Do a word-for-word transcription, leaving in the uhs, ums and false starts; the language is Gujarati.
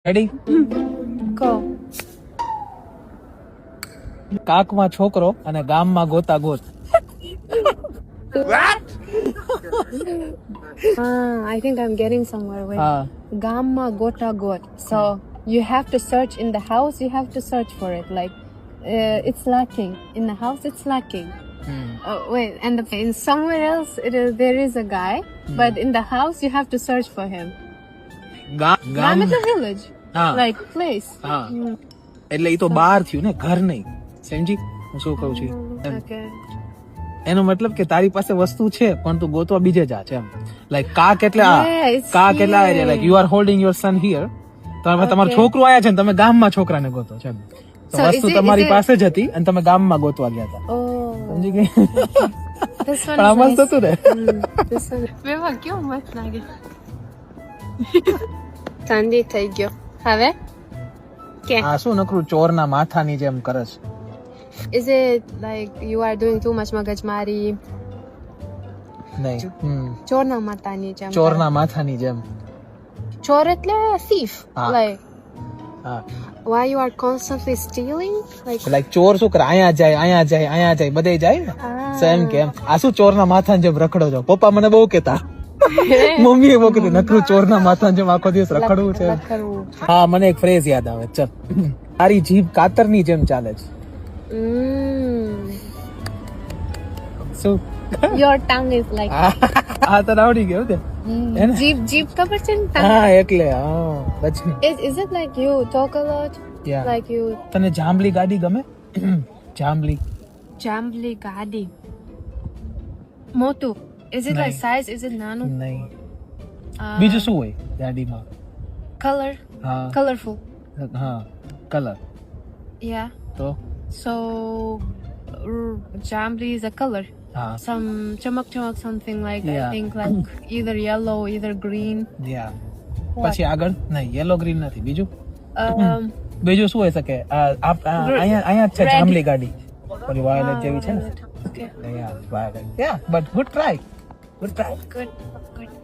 રેડી કહો. કાકમાં છોકરો અને ગામમાં ગોતા ગોત. Ah, I think I'm getting somewhere with હા Gamma Gota Got. So you have to search in the house, you have to search for it. Like uh, it's lacking. In the house, it's lacking. Hmm. Oh, wait, and the, in somewhere else, it is, there is a guy, but in the house, you have to search for him. ગા- Gam ગામ is a village, હા like place. હા Mm. એટલે એ તો બહાર થયું ને, ઘર નહીં. સમજી હું શું કહું છું એમ. Okay. એનો મતલબ કે તારી પાસે વસ્તુ છે પણ તું ગોતવા બીજે જા છે એમ. લાઈક કાક એટલે આ Yeah, it's કાક એટલે આ here. Like you are holding your son here. તો હવે તમારું Okay. છોકરું આયા છે ને તમે ગામમાં છોકરાને ગોતો છો એમ. તો So વસ્તુ is it- તમારી is it- પાસે જ હતી અને તમે ગામમાં ગોતવા ગયા હતા. Oh, સમજી ગઈ? this one પણ આ is મસ્ત nice. હતું ને. Mm, this one. વેવા કેવો મસ્ત લાગે. ઠંડી થઈ ગયો. હવે કે આ શું નકરું ચોરના માથાની જેમ કરે છે. is it like you are doing too much મગજમારી? નહીં હમ. ચોરના માતાની જેમ. ચોરના માથાની જેમ. ચોર એટલે thief. હા. Like હા why you are constantly stealing? Like like ચોર શું કરે, અહીંયા જાય અહીંયા જાય અહીંયા જાય બધે જાય ને. ah. So એમ કેમ આ શું ચોરના માથાની જેમ રખડો છો. પપ્પા મને બહુ કહેતા, મમ્મી બહુ કહેતી નકરું ચોરના માથાની જેમ આખો દિવસ રખડવું છે. રખડવું. હા મને એક ફ્રેઝ યાદ આવે. ચલ, તારી જીભ કાતરની જેમ ચાલે છે. Mm. શું Your tongue is like આ તો આવડી ગયું તે. mm. હે ને? જીભ જીભ ખબર છે ને tongue? હા એટલે હા પછી Is is it like you talk a lot? Yeah. Like you તને જાંબલી ગાડી ગમે? જાંબલી jambly ગાડી. મોટું. Is it like નહીં. size? Is it nano? નહીં. Uh, બીજું શું હોય ગાડીમાં? color? હા Colorful. હા કલર. Yeah. તો So r- jambly is a color. હા Some chamak chamak something like Yeah. I think like either yellow, either green. યા What? પછી આગળ નહીં યેલો ગ્રીન નથી. બીજું Um, બીજું શું હોઈ શકે? આ આપ- આ Red. અહીંયા અહીંયા જ છે Red. જાંબલી ગાડી. ઓલી વાયોલેટ ah, જેવી છે ને. violet. Okay. યા વાયોલેટ. યા but good try good try. Good. Good.